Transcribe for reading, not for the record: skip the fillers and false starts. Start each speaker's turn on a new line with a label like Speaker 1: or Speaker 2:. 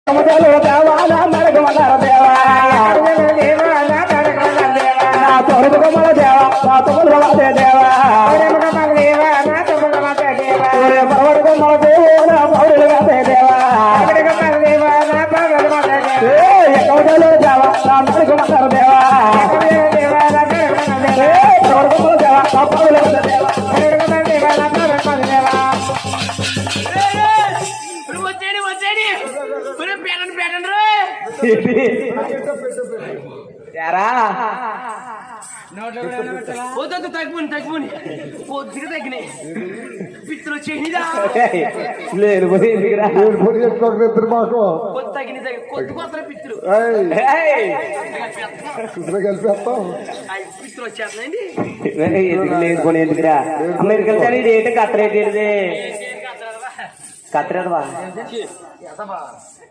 Speaker 1: తగ్గుని కొద్దిగా తగ్గినాయి పిత్తులు వచ్చేదా
Speaker 2: లేదు మాకు
Speaker 1: కొద్ది కొత్త పిత్తులు
Speaker 2: కలిపేస్తాం
Speaker 1: పిత్తులు వచ్చేస్తున్నాయండి
Speaker 2: లేదు కొని ఎందుకురా అమెరికన్ సరే కత్తిరేది కత్తిరేదవా